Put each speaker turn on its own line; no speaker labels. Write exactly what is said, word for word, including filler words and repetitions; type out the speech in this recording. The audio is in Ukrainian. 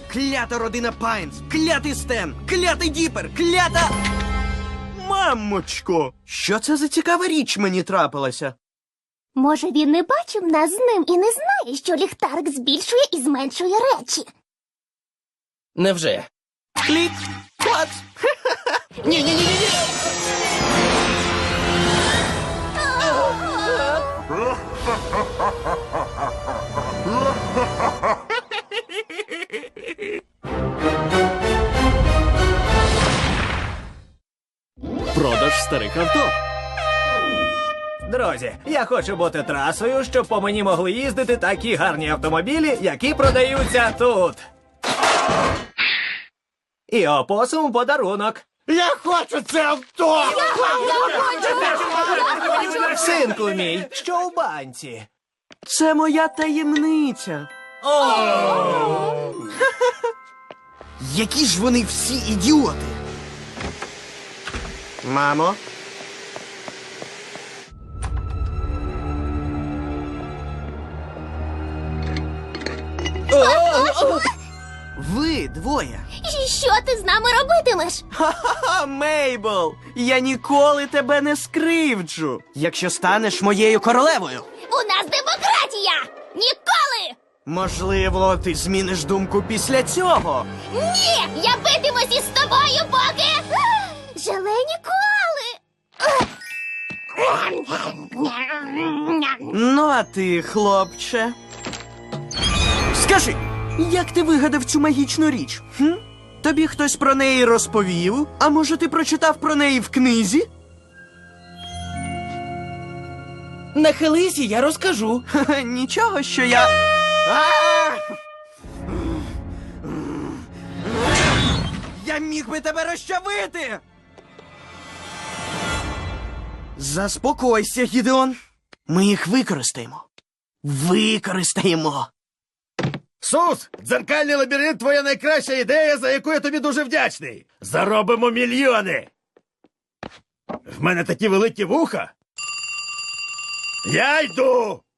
Клята родина Пайнс, клятий Стен, клятий Діпер, клята... Мамочко, що це за цікава річ мені трапилася?
Може, він не бачив нас з ним і не знає, що ліхтарик збільшує і зменшує речі.
Невже?
Клік, клац. Ні-ні-ні-ні.
Продаж старих авто.
Друзі, я хочу бути трасою, щоб по мені могли їздити такі гарні автомобілі, які продаються тут. І опосум подарунок.
Я хочу це авто!
Синку мій, що у банці?
Це моя таємниця. Які ж вони всі ідіоти. Мамо? Ви двоє.
І що ти з нами робитимеш?
Ха-ха, Мейбл, я ніколи тебе не скривджу, якщо станеш моєю королевою.
У нас демократія! Ніколи!
Можливо, ти зміниш думку після цього.
Ні! Я битимусь із тобою, поки... Желе ніколи!
Ну, а ти, хлопче? Скажи, як ти вигадав цю магічну річ? Хм? Тобі хтось про неї розповів? А може, ти прочитав про неї в книзі?
Нахились, і я розкажу.
Ха-ха, нічого, що я... А! Я міг би тебе розчавити! Заспокойся, Гідеон. Ми їх використаємо. Використаємо.
Сус, дзеркальний лабіринт – твоя найкраща ідея, за яку я тобі дуже вдячний. Заробимо мільйони. В мене такі великі вуха. Я йду.